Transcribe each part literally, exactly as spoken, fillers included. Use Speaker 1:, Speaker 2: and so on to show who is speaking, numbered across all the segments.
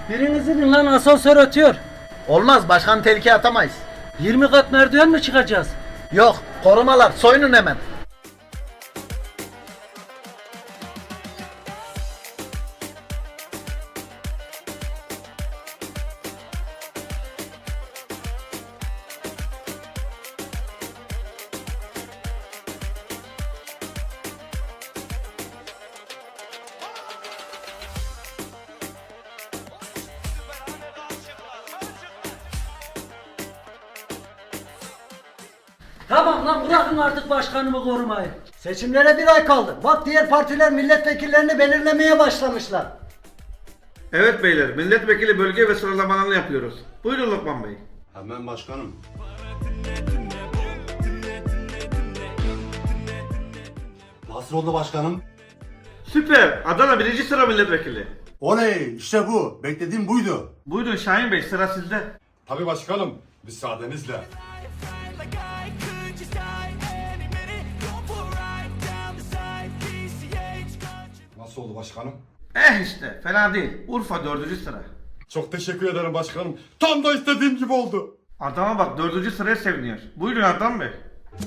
Speaker 1: Biriniz inin lan, asansör ötüyor.
Speaker 2: Olmaz, başkanı tehlikeye atamayız.
Speaker 1: yirmi kat merdiven mi çıkacağız?
Speaker 2: Yok, korumalar soyunun hemen.
Speaker 1: Tamam lan, bırakın artık başkanımı korumayı.
Speaker 3: Seçimlere bir ay kaldı. Bak diğer partiler milletvekillerini belirlemeye başlamışlar.
Speaker 4: Evet beyler, milletvekili bölge ve sıralamalarını yapıyoruz. Buyurun Lokman Bey.
Speaker 5: Hemen başkanım. Nasıl oldu başkanım?
Speaker 4: Süper, Adana birinci sıra milletvekili.
Speaker 5: Oley, işte bu. Beklediğim buydu.
Speaker 4: Buyurun Şahin Bey, sıra sizde.
Speaker 6: Tabii başkanım, müsaadenizle. Nasıl oldu başkanım?
Speaker 4: Eh işte, fena değil. Urfa dördüncü sıra.
Speaker 6: Çok teşekkür ederim başkanım. Tam da istediğim gibi oldu.
Speaker 4: Adama bak, dördüncü sıraya seviniyor. Buyurun Adnan Bey.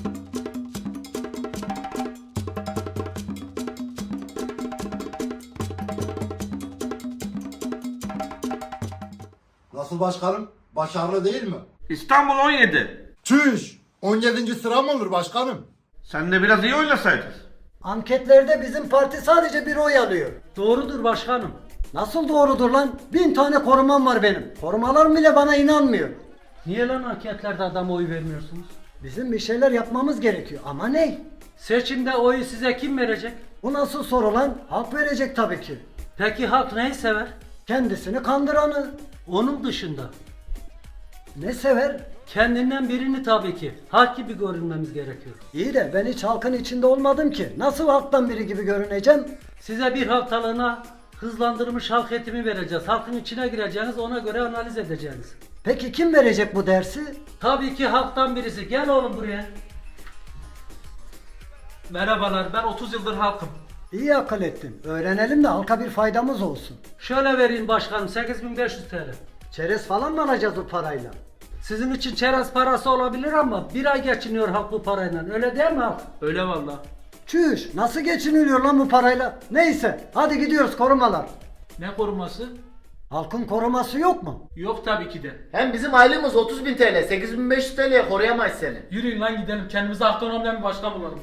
Speaker 5: Nasıl başkanım? Başarılı değil mi?
Speaker 4: İstanbul on yedi.
Speaker 5: Çüş! on yedinci sıra mı olur başkanım?
Speaker 4: Sen de biraz iyi oynasaydın.
Speaker 3: Anketlerde bizim parti sadece bir oy alıyor.
Speaker 1: Doğrudur başkanım.
Speaker 3: Nasıl doğrudur lan? Bin tane korumam var benim. Korumalarım bile bana inanmıyor.
Speaker 1: Niye lan anketlerde adama oy vermiyorsunuz?
Speaker 3: Bizim bir şeyler yapmamız gerekiyor. Ama ne?
Speaker 1: Seçimde oyu size kim verecek?
Speaker 3: Bu nasıl soru lan? Halk verecek tabii ki.
Speaker 1: Peki halk neyi sever?
Speaker 3: Kendisini kandıranı.
Speaker 1: Onun dışında.
Speaker 3: Ne sever?
Speaker 1: Kendinden birini tabii ki. Halk gibi görünmemiz gerekiyor.
Speaker 3: İyi de ben hiç halkın içinde olmadım ki. Nasıl halktan biri gibi görüneceğim?
Speaker 1: Size bir haftalığına hızlandırılmış halk eğitimi vereceğiz. Halkın içine gireceğiniz, ona göre analiz edeceğiniz.
Speaker 3: Peki kim verecek bu dersi?
Speaker 1: Tabii ki halktan birisi. Gel oğlum buraya.
Speaker 7: Merhabalar, ben otuz yıldır halkım.
Speaker 3: İyi akıl ettin. Öğrenelim de halka bir faydamız olsun.
Speaker 1: Şöyle vereyim başkanım, sekiz bin beş yüz T L.
Speaker 3: Çerez falan mı alacağız bu parayla?
Speaker 1: Sizin için çerez parası olabilir ama bir ay geçiniyor halk bu parayla. Öyle değil mi halk?
Speaker 7: Öyle valla.
Speaker 3: Çüş, nasıl geçiniliyor lan bu parayla? Neyse, hadi gidiyoruz korumalar.
Speaker 7: Ne koruması?
Speaker 3: Halkın koruması yok mu?
Speaker 7: Yok tabii ki de.
Speaker 2: Hem bizim aylığımız otuz bin T L, sekiz bin beş yüz T L'ye koruyamayız seni.
Speaker 7: Yürüyün lan gidelim, kendimize autonomiden bir başkan bulalım.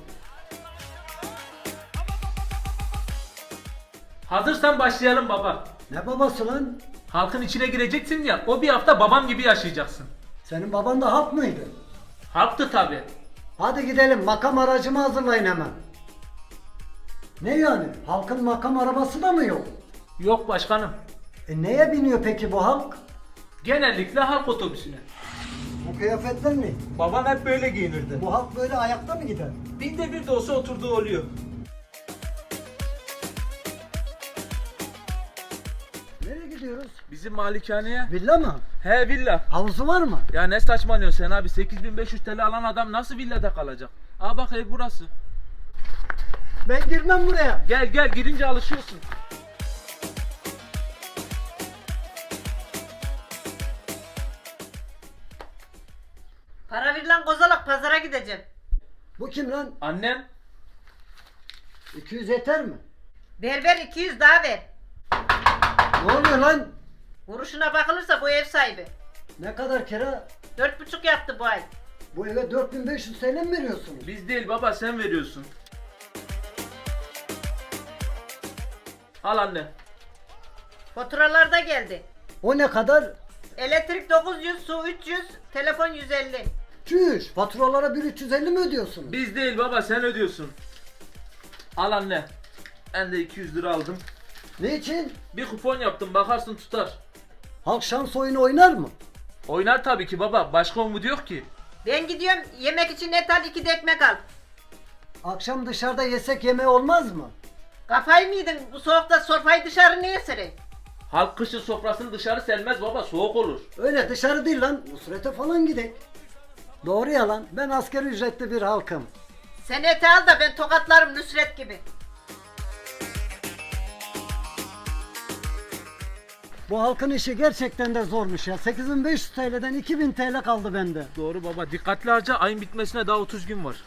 Speaker 7: Hazırsan başlayalım baba.
Speaker 3: Ne babası lan?
Speaker 7: Halkın içine gireceksin ya, o bir hafta babam gibi yaşayacaksın.
Speaker 3: Senin baban da halk mıydı?
Speaker 7: Halktı tabii.
Speaker 3: Hadi gidelim, makam aracımı hazırlayın hemen. Ne yani? Halkın makam arabası da mı yok?
Speaker 7: Yok başkanım.
Speaker 3: E neye biniyor peki bu halk?
Speaker 7: Genellikle halk otobüsüne.
Speaker 3: Bu kıyafetler ne?
Speaker 7: Babam hep böyle giyinirdi.
Speaker 3: Bu halk böyle ayakta mı gider?
Speaker 7: Binde bir de olsa oturduğu oluyor.
Speaker 3: Nereye gidiyoruz?
Speaker 7: Bizim malikaneye.
Speaker 3: Villa mı?
Speaker 7: He villa.
Speaker 3: Havuzu var mı?
Speaker 7: Ya ne saçmalıyorsun sen abi, sekiz bin beş yüz T L alan adam nasıl villada kalacak? Aa bak, ev burası.
Speaker 3: Ben girmem buraya.
Speaker 7: Gel gel, girince alışıyorsun.
Speaker 8: Para ver lan kozalak, pazara gideceğim.
Speaker 3: Bu kim lan?
Speaker 7: Annem.
Speaker 3: iki yüz yeter mi?
Speaker 8: Ver ver, iki yüz daha ver.
Speaker 3: Ne oluyor lan?
Speaker 8: Vuruşuna bakılırsa bu ev sahibi.
Speaker 3: Ne kadar kira?
Speaker 8: Dört buçuk yaptı bu ay.
Speaker 3: Bu eve dört bin beş yüz T L mi veriyorsunuz?
Speaker 7: Biz değil baba, sen veriyorsun. Al anne.
Speaker 8: Faturalar da geldi.
Speaker 3: O ne kadar?
Speaker 8: Elektrik dokuz yüz, su üç yüz, telefon yüz elli.
Speaker 3: Çüş, faturalara bir üç yüz elli mi ödüyorsunuz?
Speaker 7: Biz değil baba, sen ödüyorsun. Al anne. Ben de iki yüz lira aldım.
Speaker 3: Ne için?
Speaker 7: Bir kupon yaptım, bakarsın tutar.
Speaker 3: Halk şans oyunu oynar mı?
Speaker 7: Oynar tabii ki baba, başka umut yok ki.
Speaker 8: Ben gidiyorum, yemek için et al, iki de ekmek al.
Speaker 3: Akşam dışarıda yesek yemeği olmaz mı?
Speaker 8: Kafayı mı yedin? Bu soğukta sofrayı dışarı niye sereyim?
Speaker 7: Halk kışın sofrasını dışarı sermez baba, soğuk olur.
Speaker 3: Öyle dışarı değil lan, Nusret'e falan gidek. Doğru yalan, ben asgari ücretli bir halkım.
Speaker 8: Sen eti al da ben tokatlarım Nusret gibi.
Speaker 3: Bu halkın işi gerçekten de zormuş ya. sekiz bin beş yüz T L'den iki bin T L kaldı bende.
Speaker 7: Doğru baba. Dikkatli harca. Ayın bitmesine daha otuz gün var.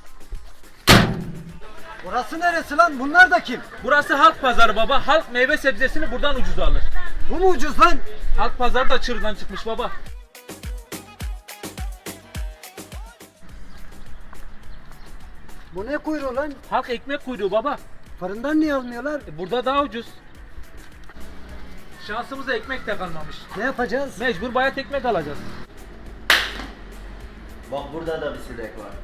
Speaker 3: Burası neresi lan? Bunlar da kim?
Speaker 7: Burası halk pazarı baba. Halk meyve sebzesini buradan ucuza alır.
Speaker 3: Bu mu ucuz lan?
Speaker 7: Halk pazarı da çığırdan çıkmış baba.
Speaker 3: Bu ne kuyruğu lan?
Speaker 7: Halk ekmek kuyruğu baba.
Speaker 3: Fırından niye almıyorlar?
Speaker 7: E, burada daha ucuz. Şansımıza ekmek de kalmamış.
Speaker 3: Ne yapacağız?
Speaker 7: Mecbur bayat ekmek alacağız.
Speaker 2: Bak burada da bir sinek var.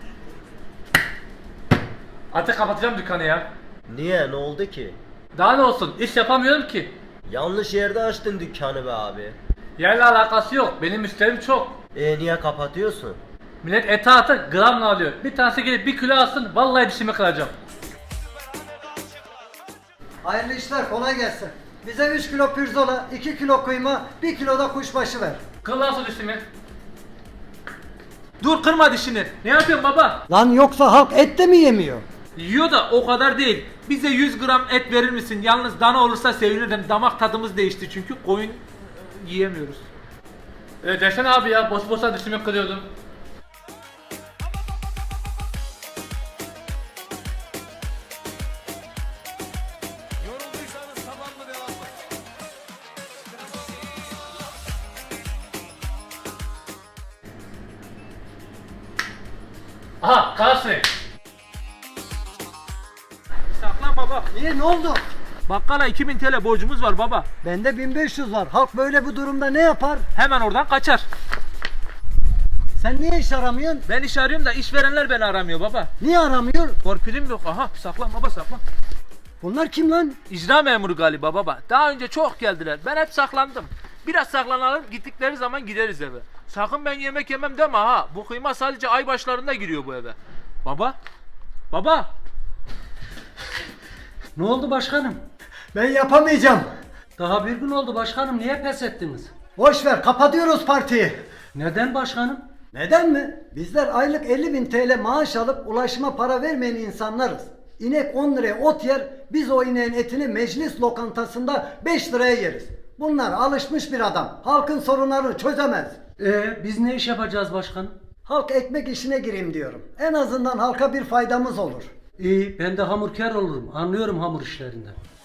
Speaker 7: Artık kapatacağım dükkanı ya.
Speaker 2: Niye? Ne oldu ki?
Speaker 7: Daha ne olsun? İş yapamıyorum ki.
Speaker 2: Yanlış yerde açtın dükkanı be abi.
Speaker 7: Yerle alakası yok. Benim müşterim çok.
Speaker 2: E niye kapatıyorsun?
Speaker 7: Millet ete atı gramla alıyor. Bir tanesi gelip bir kilo alsın. Vallahi dişimi kıracağım.
Speaker 3: Hayırlı işler, kolay gelsin. Bize üç kilo pirzola, iki kilo kıyma, bir kilo da kuşbaşı ver.
Speaker 7: Kır lan şu dişimi. Dur kırma dişini. Ne yapıyorsun baba?
Speaker 3: Lan yoksa halk et de mi yemiyor?
Speaker 7: Yiyor da o kadar değil. Bize yüz gram et verir misin? Yalnız dana olursa sevinirim. Damak tadımız değişti çünkü koyun yiyemiyoruz. E desene abi ya, boş boşa dişimi kırıyordum. Aha, karşı. Saklan baba.
Speaker 3: Niye, ne oldu?
Speaker 7: Bakkala iki bin T L borcumuz var baba.
Speaker 3: Bende bin beş yüz var. Halk böyle bir durumda ne yapar?
Speaker 7: Hemen oradan kaçar.
Speaker 3: Sen niye iş aramıyorsun?
Speaker 7: Ben iş arıyorum da işverenler beni aramıyor baba.
Speaker 3: Niye aramıyor?
Speaker 7: Torpilim yok. Aha, saklan baba, saklan.
Speaker 3: Bunlar kim lan?
Speaker 7: İcra memuru galiba baba. Daha önce çok geldiler. Ben hep saklandım. Biraz saklanalım, gittikleri zaman gideriz eve. Sakın ben yemek yemem deme ha. Bu kıyma sadece ay başlarında giriyor bu eve. Baba. Baba.
Speaker 1: Ne oldu başkanım?
Speaker 3: Ben yapamayacağım.
Speaker 1: Daha bir gün oldu başkanım. Niye pes ettiniz?
Speaker 3: Boş ver, kapatıyoruz partiyi.
Speaker 1: Neden başkanım?
Speaker 3: Neden mi? Bizler aylık elli bin T L maaş alıp ulaşıma para vermeyen insanlarız. İnek on liraya ot yer, biz o ineğin etini meclis lokantasında beş liraya yeriz. Bunlar alışmış bir adam. Halkın sorunlarını çözemez.
Speaker 1: Ee, biz ne iş yapacağız başkanım?
Speaker 3: Halk ekmek işine gireyim diyorum. En azından halka bir faydamız olur.
Speaker 1: İyi, ben de hamurkar olurum. Anlıyorum hamur işlerinden.